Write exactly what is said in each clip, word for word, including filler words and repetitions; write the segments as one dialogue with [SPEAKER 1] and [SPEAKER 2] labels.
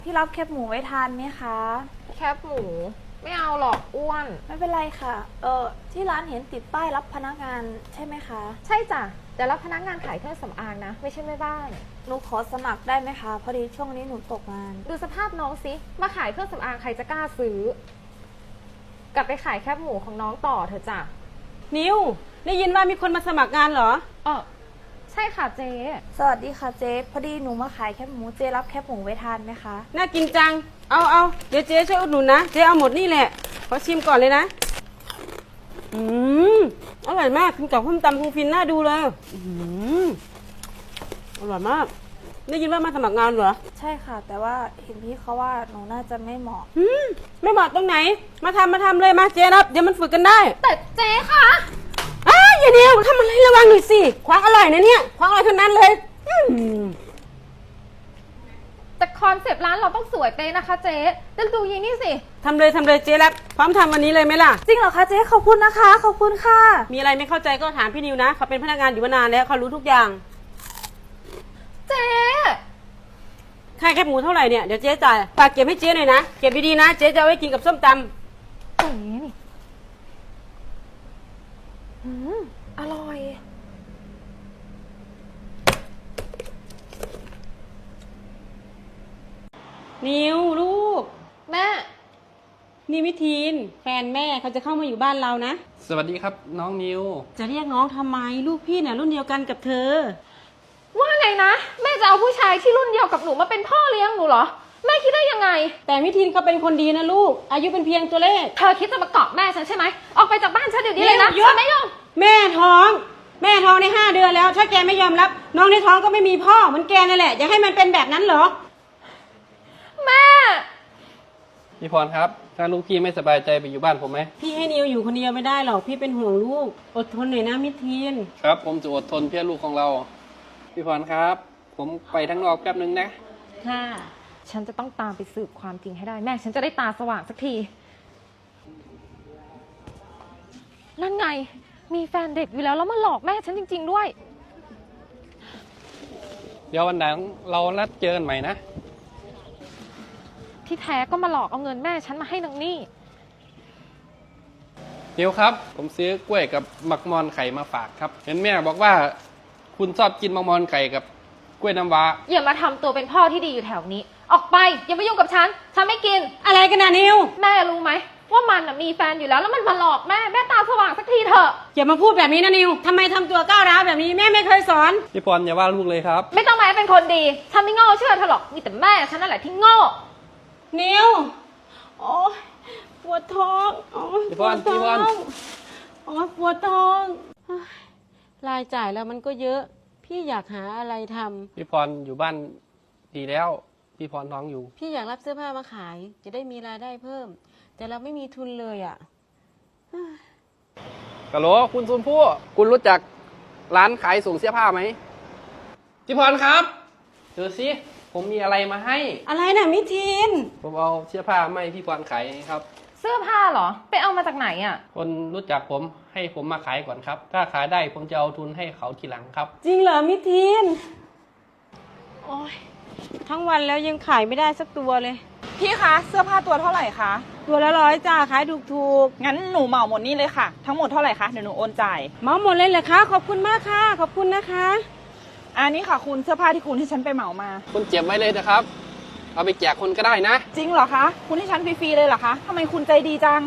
[SPEAKER 1] พี่รับแคบหมูไว้ทานไหมคะ
[SPEAKER 2] แคบหมูไม่เอาหรอกอ้วน
[SPEAKER 1] ไม่เป็นไรค่ะเออที่ร้านเห็นติดป้ายรับพนักงานใช่ไหมคะ
[SPEAKER 2] ใช่จ้ะแต่รับพนักงานขายเครื่องสำอางนะไม่ใช่แม่บ้าน
[SPEAKER 1] หนูขอสมัครได้ไหมคะพอดีช่วงนี้หนูตกงาน
[SPEAKER 2] ดูสภาพน้องสิมาขายเครื่องสำอางใครจะกล้าซื้อ กลับไปขายแคบหมูของน้องต่อเถอะจ้ะ
[SPEAKER 3] นิวได้ยินว่ามีคนมาสมัครงานเหรอ
[SPEAKER 2] เออใช่ค่ะเจ๊
[SPEAKER 1] สวัสดีค่ะเจ๊พอดีหนูมาขายแคบหมูเจ๊รับแคบหมูไว้ทานไหมคะ
[SPEAKER 3] น่ากินจังเอาเอาเดี๋ยวเจ๊ช่วยอุดหนุนนะเจ๊เอาหมดนี่แหละขอชิมก่อนเลยนะอืมอร่อยมากกินกับข้าวตำคงฟินน่าดูเลยอืมอร่อยมากได้ยินว่ามาสมัครงานเหรอ
[SPEAKER 1] ใช่ค่ะแต่ว่าเห็นพี่เขาว่าหนูน่าจะไม่เหมาะ
[SPEAKER 3] อืมไม่เหมาะตรงไหนมาทำมาทำเลยมาเจ๊รับเดี๋ยวมันฝึกกันได้
[SPEAKER 2] แต่เจ๊ค่ะ
[SPEAKER 3] อ้าอย่าเดียวทำอะไรระวังหน่อยสิคว้างอร่อยนะเนี่ยคว้างอร่อยทั้งนั้นเลยอืม
[SPEAKER 2] แต่คอนเซปต์ร้านเราต้องสวยเป๊ะนะคะเจ๊แต่ดูยีนี่สิ
[SPEAKER 3] ทำเลยทำเลยเจ๊รับพร้อมทำวันนี้เลยไหมล่ะ
[SPEAKER 1] จริงเหรอคะเจ๊ขอบคุณนะคะขอบคุณค่ะ
[SPEAKER 3] มีอะไรไม่เข้าใจก็ถามพี่นิวนะเขาเป็นพนักงานอยู่มานานแล้วเขารู้ทุกอย่าง
[SPEAKER 2] เจ๊
[SPEAKER 3] ค่าแคบหมูเท่าไหร่เนี่ยเดี๋ยวเจ๊จ่ายฝากเก็บให้เจ๊หน่อยนะเก็บดีๆนะเจ๊จะเอาไว้กินกับส้มตำ
[SPEAKER 2] อย่างนี้นี่อืมอร่อย
[SPEAKER 3] นิวลูก
[SPEAKER 2] แม่
[SPEAKER 3] นี่วิทีนแฟนแม่เขาจะเข้ามาอยู่บ้านเรานะ
[SPEAKER 4] สวัสดีครับน้องนิว
[SPEAKER 3] จะเรียกน้องทำไมลูกพี่เนี่ยรุ่นเดียวกันกับเธอ
[SPEAKER 2] ว่าไงนะแม่จะเอาผู้ชายที่รุ่นเดียวกับหนูมาเป็นพ่อเลี้ยงหนูเหรอแม่คิดได้ยังไง
[SPEAKER 3] แต่วิทีนเขาเป็นคนดีนะลูกอายุเป็นเพียงตัวเลข
[SPEAKER 2] เธอคิดจะมาเกาะแม่ฉันใช่ไหมออกไปจากบ้านฉันเดี๋ยวนี้เลยนะฉันไม่ยอม
[SPEAKER 3] แม่ท้องแม่ท้องในห้าเดือนแล้วถ้าแกไม่ยอมรับน้องในท้องก็ไม่มีพ่อเหมือนแกนั่นแหละอยากให้มันเป็นแบบนั้นเหรอ
[SPEAKER 2] แม่
[SPEAKER 4] พี่พรครับถ้าลูกพี่ไม่สบายใจไปอยู่บ้านผมไหม
[SPEAKER 3] พี่ให้นิวอยู่คนเดียวไม่ได้หรอกพี่เป็นห่วงลูกอดทนหน่อยนะมิทีน
[SPEAKER 4] ครับผมจะอดทนเพื่อลูกของเราพี่พรครับผมไปทั้งนอกแป๊บนึงนะ
[SPEAKER 3] ค่ะ
[SPEAKER 2] ฉันจะต้องตามไปสืบความจริงให้ได้แม่ฉันจะได้ตาสว่างสักทีนั่นไงมีแฟนเด็กอยู่แล้วแล้วมาหลอกแม่ฉันจริงๆด้วย
[SPEAKER 4] เดี๋ยววันหลังเรานัดเจอกันใหม่นะ
[SPEAKER 2] ที่แท้ก็มาหลอกเอาเงินแม่ฉันมาให้นางนี่
[SPEAKER 4] เดี๋ยวครับผมซื้อกล้วยกับมักมอนไข่มาฝากครับเห็นแม่บอกว่าคุณชอบกินมักมอนไข่กับกล้วยน้ำว้า
[SPEAKER 2] อย่ามาทำตัวเป็นพ่อที่ดีอยู่แถวนี้ออกไปอย่ามายุ่งกับฉันฉันไม่กิน
[SPEAKER 3] อะไรกันนะนิว
[SPEAKER 2] แม่รู้ไหมว่ามันมีแฟนอยู่แล้วแล้วมันมาหลอกแม่แม่ตาสว่างสักทีเถอะ
[SPEAKER 3] อย่ามาพูดแบบนี้นะนิวทำไมทำตัวก้าวร้าวแบบนี้แม่ไม่เคยสอน
[SPEAKER 4] พี่พรอย่าว่าลูกเลยครับ
[SPEAKER 2] ไม่ต้องมาเป็นคนดีฉันไม่โง่เชื่อเธอหรอกมีแต่แม่ฉันนั่นแหละที่โง่
[SPEAKER 3] นิวโอ้ยปวดท้องโอ้ย
[SPEAKER 4] ปวดท้อง
[SPEAKER 3] โอ้ยปวดท้องรายจ่ายแล้วมันก็เยอะพี่อยากหาอะไรทำ
[SPEAKER 4] พี่พรอยู่บ้านดีแล้วพี่พรท้องอยู่
[SPEAKER 3] พี่อยากรับเสื้อผ้ามาขายจะได้มีรายได้เพิ่มแต่เราไม่มีทุนเลยอ่ะ
[SPEAKER 4] ฮัลโหลคุณซุนผู้คุณรู้จักร้านขายส่งเสื้อผ้าไหมพี่พรครับเดี๋ยวสิผมมีอะไรมาให้
[SPEAKER 3] อะไรน่ะมิทีน
[SPEAKER 4] ผมเอาเสื้อผ้าไม่พี่พรขายครับ
[SPEAKER 2] เสื้อผ้าเหรอไปเอามาจากไหนอ่ะ
[SPEAKER 4] คนรู้จักผมให้ผมมาขายก่อนครับถ้าขายได้ผมจะเอาทุนให้เขาทีหลังครับ
[SPEAKER 3] จริงเหรอมิทีนโอ้ยทั้งวันแล้วยังขายไม่ได้สักตัวเลย
[SPEAKER 5] พี่คะเสื้อผ้าตัวเท่าไหร่คะ
[SPEAKER 3] ตัวละร้อยจ้าขายถูกถูก
[SPEAKER 5] งั้นหนูเหมาหมดนี่เลยค่ะทั้งหมดเท่าไหร่คะเดี๋ยวหนูโอนจ่าย
[SPEAKER 3] เหมาหมดเลยเหรอคะขอบคุณมากค่ะขอบคุณนะคะ
[SPEAKER 5] อันนี้ค่ะคุณเสื้อผ้าที่คุณให้ฉันไปเหมามา
[SPEAKER 4] คุณเก็บไว้เลยนะครับเอาไปแจกคนก็ได้นะ
[SPEAKER 5] จริงเหรอคะคุณให้ฉันฟรีๆเลยเหรอคะทำไมคุณใจดีจัง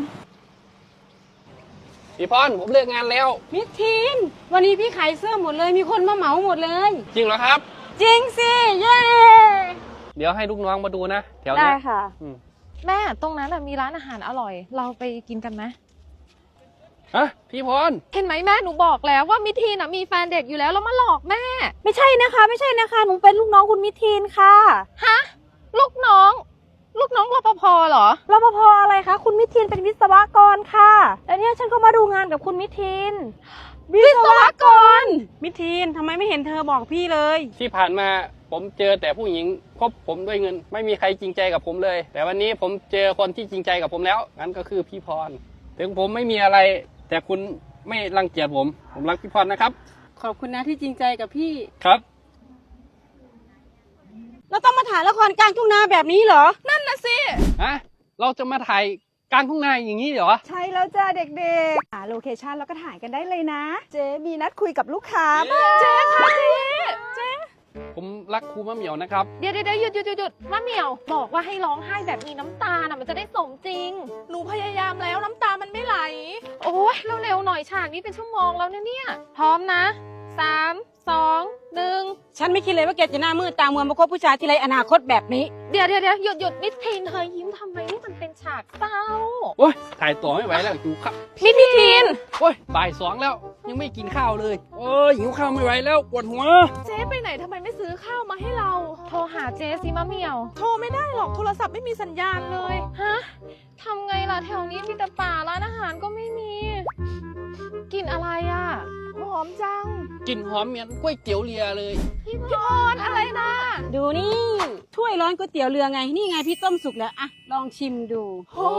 [SPEAKER 4] พี่พรผมเลิกงานแล้ว
[SPEAKER 3] มิทีนวันนี้พี่ขายเสื้อหมดเลยมีคนมาเหมาหมดเลย
[SPEAKER 4] จริงเหรอครับ
[SPEAKER 3] จริงสิเย้
[SPEAKER 4] เดี๋ยวให้ลูกน้องมาดูนะแถว
[SPEAKER 1] นี้ได้ค่ะ
[SPEAKER 2] แม่ตรงนั้นมีร้านอาหารอร่อยเราไปกินกันไหม
[SPEAKER 4] ฮะพี่พร
[SPEAKER 2] เห็นไหมแม่หนูบอกแล้วว่ามิทีนมีแฟนเด็กอยู่แล้วแล้วมาหลอกแม่
[SPEAKER 1] ไม่ใช่นะคะไม่ใช่นะคะหนูเป็นลูกน้องคุณมิทีนค่ะ
[SPEAKER 2] ฮะลูกน้องลูกน้องรปภเหรอ
[SPEAKER 1] รปภอะไรคะคุณมิทีนเป็นวิศวกรค่ะแล้วเนี่ยฉันก็มาดูงานกับคุณมิทีน
[SPEAKER 2] วิศวกร
[SPEAKER 3] มิทีนทำไมไม่เห็นเธอบอกพี่เลย
[SPEAKER 4] ที่ผ่านมาผมเจอแต่ผู้หญิงคบผมด้วยเงินไม่มีใครจริงใจกับผมเลยแต่วันนี้ผมเจอคนที่จริงใจกับผมแล้วงั้นก็คือพี่พรถึงผมไม่มีอะไรแต่คุณไม่รังเกียจผมผมรักพี่พรนะครับ
[SPEAKER 3] ขอบคุณนะที่จริงใจกับพี่
[SPEAKER 4] ครับ
[SPEAKER 3] เราต้องมาถ่ายละครกลางทุ่งนาแบบนี้เหรอ
[SPEAKER 5] นั่นนะสิ
[SPEAKER 4] ฮะ เราจะมาถ่ายกลางทุ่งนาอย่างนี้เหรอ
[SPEAKER 5] ใช่แล้วจ้าเด็กๆหาโลเคชั่นแล้วก็ถ่ายกันได้เลยนะ เจ๊มีนัดคุยกับลูกค้าบ้าง
[SPEAKER 2] เจ๊ค่ะเจ๊เจ๊
[SPEAKER 4] ผมรักครูมะเหมียวนะครับ
[SPEAKER 2] เดี๋ยวเดี๋ยวหยุดหยุดหยุดหยุดมะเหมียว บอกว่าให้ร้องไห้แบบมีน้ำตาน่ะมันจะได้สมจริง
[SPEAKER 5] หนูพยายามแล้วน้ำตามันไม่ไหล
[SPEAKER 2] โอ้ยเร็วๆหน่อยฉากนี้เป็นชั่วโมงแล้วเนี่ยเนี่ย พร้อมนะสามสองหนึ่ง
[SPEAKER 3] ฉันไม่คิดเลยว่าแกจะหน้ามืดตามัวมาคบผู้ชายที่ไรอนาคตแบบนี้
[SPEAKER 2] เดี๋ยวเดี๋ยวเดี๋ยวหยุดหยุดมิสทีนเธอยิ้มทำไมนี่มันเป็นฉากเศร้า
[SPEAKER 4] โอ้ย ถ่ายต่อไม่ไหวแล้วหิวข้าว
[SPEAKER 2] มิสทีน
[SPEAKER 4] โอ้ย บ่ายสองแล้ว ยังไม่กินข้าวเลย โอ้ย หิวข้าวไม่ไหวแล้ว ปวดหัว
[SPEAKER 5] เจ๊ไปไหนทำไมไม่ซื้อข้าวมาให้เรา
[SPEAKER 2] โทรหาเจสิมะเหมียว
[SPEAKER 5] โทรไม่ได้หรอกโทรศัพท์ไม่มีสัญญาณเลย
[SPEAKER 2] ฮะทำไงล่ะแถวนี้มีแต่ป่าร้านอาหารก็ไม่มี กินอะไรอ่ะ
[SPEAKER 5] หอมจัง
[SPEAKER 4] กลิ่นหอมเหมือนก๋วยเตี๋ยวเรือเลย
[SPEAKER 2] พี่พรอะไรนะ
[SPEAKER 3] ดูนี่ ถ้วยร้อนก๋วยเตี๋ยวเรือไง นี่ไงพี่ต้มสุกแล้วอะลองชิมดู
[SPEAKER 5] โอ้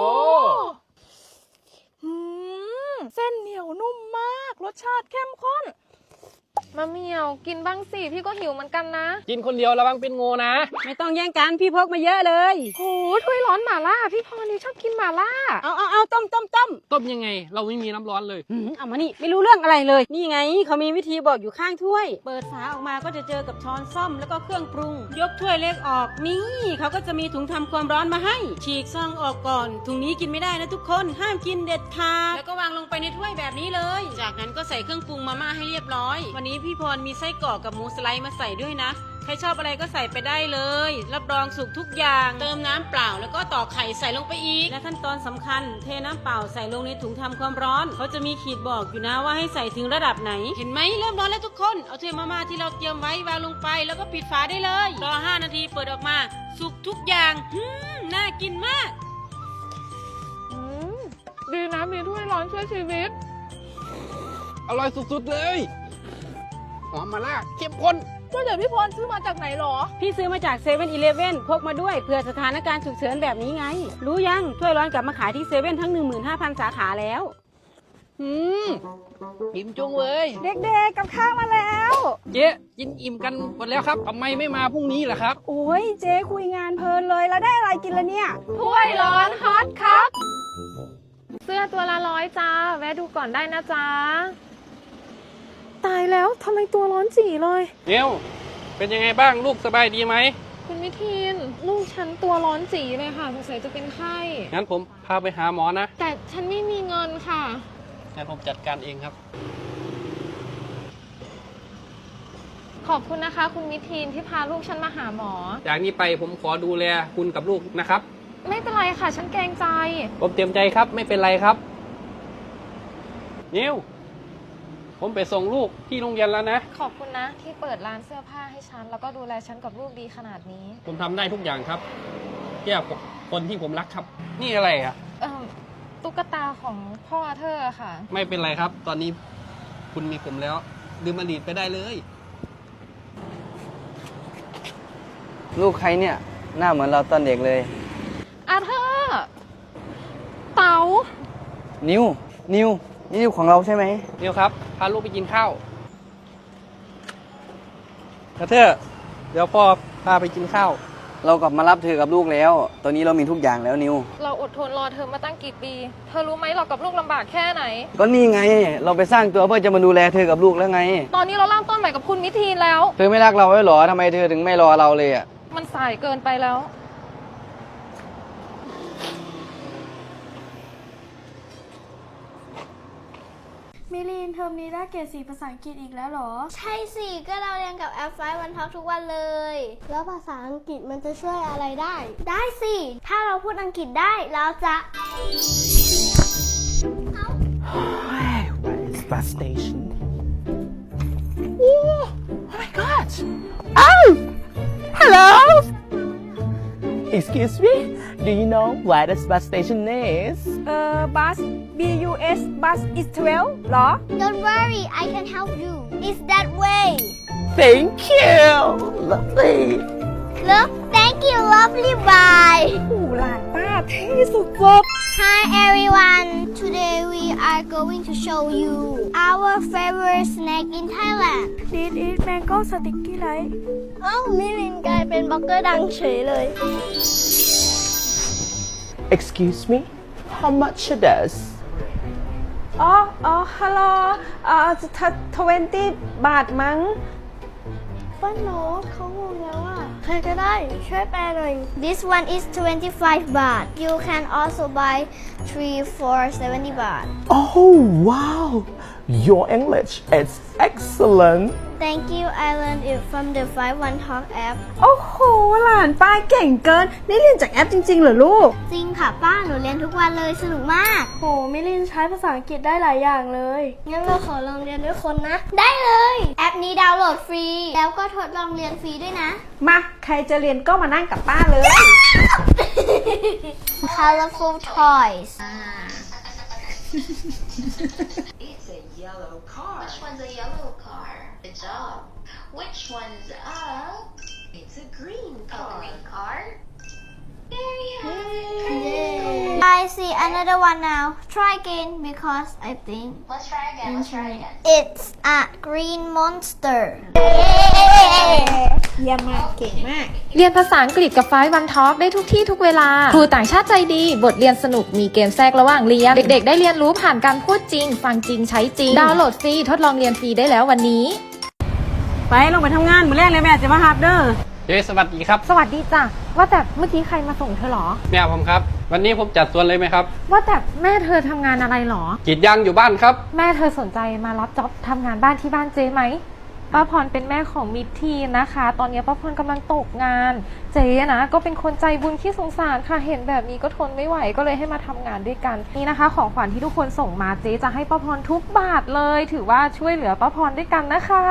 [SPEAKER 5] หืมเส้นเหนียวนุ่มมาก รสชาติเข้มข้น
[SPEAKER 2] มะเหมียวกินบ้างสิพี่ก็หิวเหมือนกันนะ
[SPEAKER 4] กินคนเดียวระวังเป็นงูนะ
[SPEAKER 3] ไม่ต้องแย่งกันพี่พกมาเยอะเลย
[SPEAKER 2] โหถ้วยร้อนหม่าล่าพี่พรนี่ชอบกินหม่าล่า
[SPEAKER 3] เอาเอาเอาต้มต้มต้ม
[SPEAKER 4] ต้มยังไง เราไม่มีน้ำร้อนเลย
[SPEAKER 3] หืมเอามานี่ไม่รู้เรื่องอะไรเลย นี่ไงเขามีวิธีบอกอยู่ข้างถ้วย เปิดฝาออกมาก็จะเจอกับช้อนส้อมแล้วก็เครื่องปรุง ยกถ้วยเล็กออก นี่เขาก็จะมีถุงทำความร้อนมาให้ ฉีกซองออกก่อน ถุงนี้กินไม่ได้นะทุกคน ห้ามกินเด็ดขาด แล้วก็วางลงไปในถ้วยแบบนี้เลย จากนั้นก็ใส่เครื่องปรุงมาม่าให้เรียบร้อย วันนี้พี่พรมีไส้กรอกกับหมูสไลด์มาใส่ด้วยนะ ใครชอบอะไรก็ใส่ไปได้เลย รับรองสุกทุกอย่าง เติมน้ำเปล่าแล้วก็ตอกไข่ใส่ลงไปอีก และขั้นตอนสำคัญ เทน้ำเปล่าใส่ลงในถุงทำความร้อน เขาจะมีขีดบอกอยู่นะว่าให้ใส่ถึงระดับไหน เห็นไหมเริ่มร้อนแล้วทุกคน เอาถ้วยมาม่าที่เราเตรียมไว้วางลงไปแล้วก็ปิดฝาได้เลย รอห้านาทีเปิดออกมา สุกทุกอย่างหืมน่ากินมาก
[SPEAKER 2] อืมดีนะมีถ้วยร้อนช่วยชีวิต
[SPEAKER 4] อร่อยสุดๆเลย หอมมาล่าเข้มข้น
[SPEAKER 5] ก็เดี๋ยวพี่พรซื้อมาจากไหนหรอ
[SPEAKER 3] พี่ซื้อมาจากเซเว่นอีเลฟเว่นพกมาด้วยเผื่อสถานการณ์ฉุกเฉินแบบนี้ไง รู้ยังถ้วยร้อนกลับมาขายที่เซเว่นทั้ง หนึ่งหมื่นห้าพัน สาขาแล้ว
[SPEAKER 4] อืมอิ่มจุงเลย
[SPEAKER 5] เด็กๆกับข้าวมาแล้ว
[SPEAKER 4] เจ๊กินอิ่มกันหมดแล้วครับทำไมไม่มาพรุ่งนี้ล่ะครับ
[SPEAKER 5] โอ้ยเจ๊คุยงานเพลินเลยแล้วได้อะไรกินละเนี่ย
[SPEAKER 2] ถ้วยร้อนฮอตครับ เสื้อตัวละร้อยจ้า แวะดูก่อนได้นะจ้า ตายแล้วทำไมตัวร้อนจีเลย
[SPEAKER 4] เนียวเป็นยังไงบ้างลูกสบายดีไหม
[SPEAKER 2] คุณวิทีนลูกฉันตัวร้อนจีเลยค่ะสงสัยจะเป็นไข้
[SPEAKER 4] งั้นผมพาไปหาหมอนะ
[SPEAKER 2] แต่ฉันไม่มีเงินค่ะ
[SPEAKER 4] งั้นผมจัดการเองครับ
[SPEAKER 2] ขอบคุณนะคะ คุณวิทีนที่พาลูกฉันมาหาหมอ
[SPEAKER 4] จากนี้ไปผมขอดูแลคุณกับลูกนะครับ
[SPEAKER 2] ไม่เป็นไรค่ะ ฉันเกรงใจ
[SPEAKER 4] ผมเตรียมใจครับ ไม่เป็นไรครับนิวผมไปส่งลูกที่โรงเรียนแล้วนะ
[SPEAKER 2] ขอบคุณนะที่เปิดร้านเสื้อผ้าให้ฉัน แล้วก็ดูแลฉันกับลูกดีขนาดนี้
[SPEAKER 4] ผมทำได้ทุกอย่างครับเพื่อคนที่ผมรักครับ นี่อะไรอ่ะ
[SPEAKER 2] เอ่อตุ๊กตาของพ่อเธอค่ะ
[SPEAKER 4] ไม่เป็นไรครับ ตอนนี้คุณมีผมแล้วลืมอดีตไปได้เลย
[SPEAKER 6] ลูกใครเนี่ย หน้าเหมือนเราตอนเด็กเลย
[SPEAKER 2] อาเธอร์เต๋า
[SPEAKER 6] นิว นิว นี่นิวของเราใช่ไหม
[SPEAKER 4] นิวครับ พาลูกไปกินข้าวกระเทอเดี๋ยวพ่อพาไปกินข้าว
[SPEAKER 6] เรากลับมารับเธอกับลูกแล้ว ตอนนี้เรามีทุกอย่างแล้วนิว
[SPEAKER 2] เราอดทนรอเธอมาตั้งกี่ปี เธอรู้ไหมเรากับลูกลำบากแค่ไหน
[SPEAKER 6] ก็นี่ไง เราไปสร้างตัวเพื่อจะมาดูแลเธอกับลูกแล้วไง
[SPEAKER 2] ตอนนี้เราเริ่มต้นใหม่กับคุณมิทีนแล้ว
[SPEAKER 6] เธอไม่รักเราไว้หรอทำไมเธอถึงไม่รอเราเลยอ่ะ
[SPEAKER 2] มันสายเกินไปแล้ว
[SPEAKER 7] มิลีนเทอมนี้ได้เกรดสี่ภาษาอังกฤษอีกแล้วเหรอ
[SPEAKER 8] ใช่สิ ก็เราเรียนกับแอปไฟวันพักทุกวันเลย แล้วภาษาอังกฤษมันจะช่วยอะไรได้ ได้สิ ถ้าเราพูดอังกฤษได้เราจะ
[SPEAKER 9] Where is bus station? Oh, oh my god! Oh! Hello! Excuse me? Do you know where this bus station is?
[SPEAKER 5] เอ่อ bus B U S bus is twelve หรอ
[SPEAKER 8] Don't worry I can help you It's that way
[SPEAKER 9] Thank you! Lovely!
[SPEAKER 8] Look thank you lovely bye
[SPEAKER 5] หูหลานป้าเท่สุด
[SPEAKER 8] Hi everyone Today we are are going to show you our favorite snack in Thailand
[SPEAKER 7] This is mango sticky rice
[SPEAKER 8] เอ้ามิลินกลายเป็นบล็อกเกอร์ดังเฉยเลย
[SPEAKER 9] Excuse me? How much it is?
[SPEAKER 1] อ๋ออ๋อฮัลโหลเอ่อทเวนตี้บาทมั้ง
[SPEAKER 8] ป้าโน้ตเขางงแล้วอ่ะ ใครก็ได้ช่วยแปลหน่อย This one is twenty-five baht You can also buy three for seventy baht
[SPEAKER 9] Oh, wow! Your English is excellent.
[SPEAKER 8] Thank you I learned it from the five one talk app
[SPEAKER 5] โอ้โห หลานป้าเก่งเกิน นี่เรียนจากแอปจริงๆเหรอลูก
[SPEAKER 8] จริงค่ะป้าหนูเรียนทุกวันเลยสนุกมาก
[SPEAKER 7] โหมิลินใช้ภาษาอังกฤษได้หลายอย่างเลย
[SPEAKER 8] งั้นเราขอลองเรียนด้วยคนนะ ได้เลย แอปนี้ดาวน์โหลดฟรี แล้วก็ทดลองเรียนฟรีด้วยนะ
[SPEAKER 5] มา ใครจะเรียนก็มานั่งกับป้าเลย
[SPEAKER 8] Colorful toys
[SPEAKER 10] It's a yellow car. Which one's a yellow car? Good job. Which one's a? It's a green car. A green car? There you have it.
[SPEAKER 8] I see another one now Try again because I think
[SPEAKER 10] Let's try again. Let's try again.
[SPEAKER 8] it's a green monster
[SPEAKER 5] เยี่ยมมาก เก่งมาก
[SPEAKER 2] เรียนภาษาอังกฤษกับไฟวันทอล์กได้ทุกที่ทุกเวลา ครูต่างชาติใจดี บทเรียนสนุกมีเกมแทรกระหว่างเรียน เด็กๆ ได้เรียนรู้ผ่านการพูดจริง ฟังจริงใช้จริง ดาวน์โหลดฟรี ทดลองเรียนฟรีได้แล้ววันนี้
[SPEAKER 3] ไปลงไปทำงานมื้อแรกเลยแม่จะมาฮับเด้อ
[SPEAKER 4] เจ๊สวัสดีครับ
[SPEAKER 1] สวัสดีจ้ะ ว่าแต่เมื่อกี้ใครมาส่งเธอหรอ
[SPEAKER 4] แม่ผมครับ วันนี้ผมจัดสวนเลยไหมครับ
[SPEAKER 1] ว่าแต่แม่เธอทำงานอะไรหรอ
[SPEAKER 4] กรีดยางอยู่บ้านครับ
[SPEAKER 1] แม่เธอสนใจมารับจ็อบทำงานบ้านที่บ้านเจ๊ไหม ป้าพรเป็นแม่ของมิตรทีนนะคะ ตอนนี้ป้าพรกำลังตกงาน เจ๊นะก็เป็นคนใจบุญที่สงสารค่ะ เห็นแบบนี้ก็ทนไม่ไหวก็เลยให้มาทำงานด้วยกัน นี่นะคะ ของขวัญที่ทุกคนส่งมาเจ๊จะให้ป้าพรทุกบาทเลย ถือว่าช่วยเหลือป้าพรด้วยกันนะคะ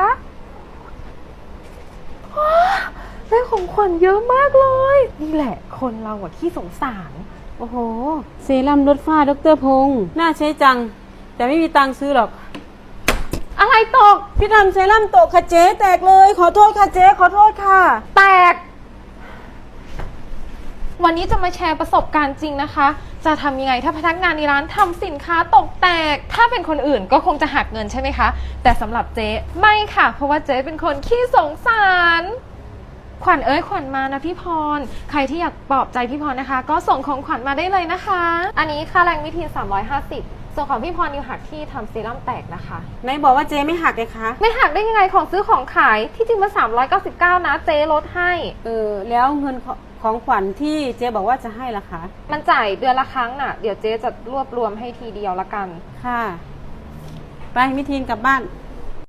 [SPEAKER 1] ว้าได้ของขวัญเยอะมากเลย นี่แหละคนเราอะที่สงสาร โอ้โห
[SPEAKER 3] เซรั่มลดฝ้าดรพงษ์น่าใช้จัง แต่ไม่มีตังค์ซื้อหรอก
[SPEAKER 1] อะไรตก
[SPEAKER 3] พี่ทำเซรั่มตกค่ะเจ๊แตกเลย ขอโทษค่ะเจ๊ขอโทษค่ะ
[SPEAKER 1] แตก วันนี้จะมาแชร์ประสบการณ์จริงนะคะ จะทำยังไงถ้าพนักงานในร้านทำสินค้าตกแตก ถ้าเป็นคนอื่นก็คงจะหักเงินใช่ไหมคะ แต่สำหรับเจ๊ไม่ค่ะ เพราะว่าเจ๊เป็นคนขี้สงสาร ขวัญเอ้ยขวัญมานะพี่พร ใครที่อยากปลอบใจพี่พรนะคะ ก็ส่งของขวัญมาได้เลยนะคะ อันนี้ค่าแรงมิทีนสามร้อยห้าสิบส่วนของพี่พรนิวหักที่ทำเซรั่มแตกนะคะ
[SPEAKER 3] ไหนบอกว่าเจ๊ไม่หักเลยคะ
[SPEAKER 1] ไม่หักได้ยังไงของซื้อของขายที่จริงมาสามร้อยเก้าสิบเก้านะเจ๊ลดให้
[SPEAKER 3] เออแล้วเงินของของขวัญที่เจ๊บอกว่าจะให้ล่ะคะ
[SPEAKER 1] มันจ่ายเดือนละครั้งน่ะ เดี๋ยวเจ๊จะรวบรวมให้ทีเดียวละกัน
[SPEAKER 3] ค่ะ ไปมิทีนกลับบ้าน